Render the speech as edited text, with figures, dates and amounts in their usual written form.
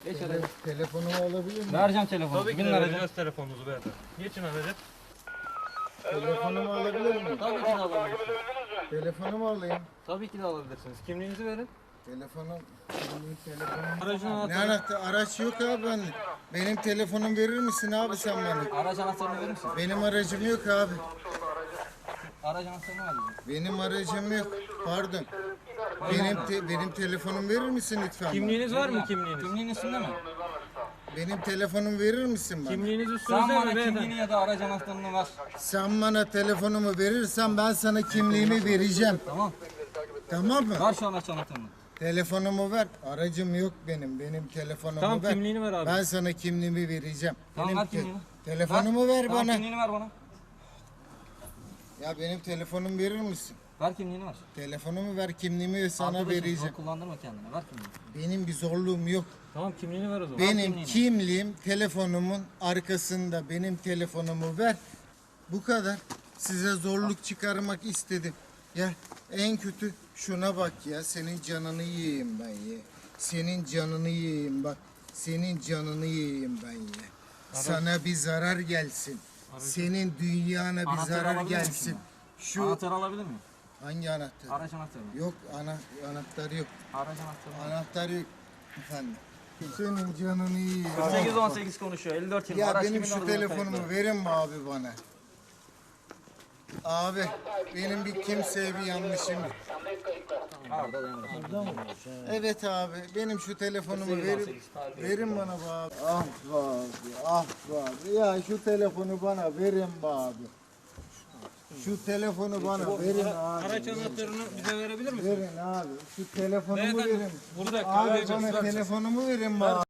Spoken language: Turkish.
Geç aracı. Telefonumu alabilir miyim? Vereceğim telefonu. Tabii ki Binin de aracı. vereceğiz telefonunuzu beyefendi. Geçin aracı. Telefonumu alabilir miyim? Tabii ki de alabilirsiniz. Telefonumu alayım. Tabii ki de alabilirsiniz. Kimliğinizi verin. Telefonum. Aracın Ne anahtarı. anahtar? Araç yok abi ben. Benim telefonum verir misin abi sen bana? Araç anahtarını verir misiniz? Benim aracım yok abi. Araç anahtarını ver bize. Benim aracım yok. Pardon. Benim telefonum verir misin lütfen? bana? Kimliğiniz var mı kimliğiniz? Kimliğin üstünde mi? Benim telefonumu verir misin bana? Kimliğiniz Sen üstünüzde bana mi beyefendi? kimliğini ya da araç anahtarını ver. Sen bana telefonumu verirsen ben sana kimliğimi vereceğim. Tamam. Tamam mı? Ver şu araç anahtarını. Telefonumu ver. Aracım yok benim. Benim telefonumu Tamam, ver. kimliğini ver abi. Ben sana kimliğimi vereceğim. Tamam, Benim ver kimliğini. Telefonumu ver Tamam, bana. kimliğini ver bana. Ya benim telefonumu verir misin? Ver kimliğini ver. Telefonumu ver, kimliğimi sana Arkadaşım, vereceğim. zor kullandırma kendini. Ver kimliğini. Benim bir zorluğum yok. Tamam kimliğini ver o zaman. Benim kimliğini. kimliğim telefonumun arkasında. Benim telefonumu ver. Bu kadar. Size zorluk çıkarmak istedim. Ya en kötü şuna bak ya. Senin canını yiyeyim ben ya. Senin canını yiyeyim bak. Senin canını yiyeyim ben ya. Sana bir zarar gelsin. Senin dünyana bir Anahtarı zarar alabilir miyim gelsin. şimdi? Şu Anahtarı alabilir miyim? hangi anahtar? Araç anahtarını. Yok anahtar yok. Araç anahtarını. Anahtar yok efendim. Senin canını yiyeyim. 818 konuşuyor. 54 yıl. Ya Araç benim kimin şu adına telefonumu kayıtlı? verin mi abi bana? Abi benim bir kimseye bir yanlışım yok. Orada devam et. Evet abi benim şu telefonumu 818 verin. tarih. Verin bana be abi. Ah be abi, ah be abi. Ya şu telefonu bana verin be abi. Şu telefonu bana verin abi. Araç anahtarını bize verebilir misin? Verin abi. Şu telefonumu Beyefendi, verin. burada Abi arayacağız. bana telefonumu verin be abi.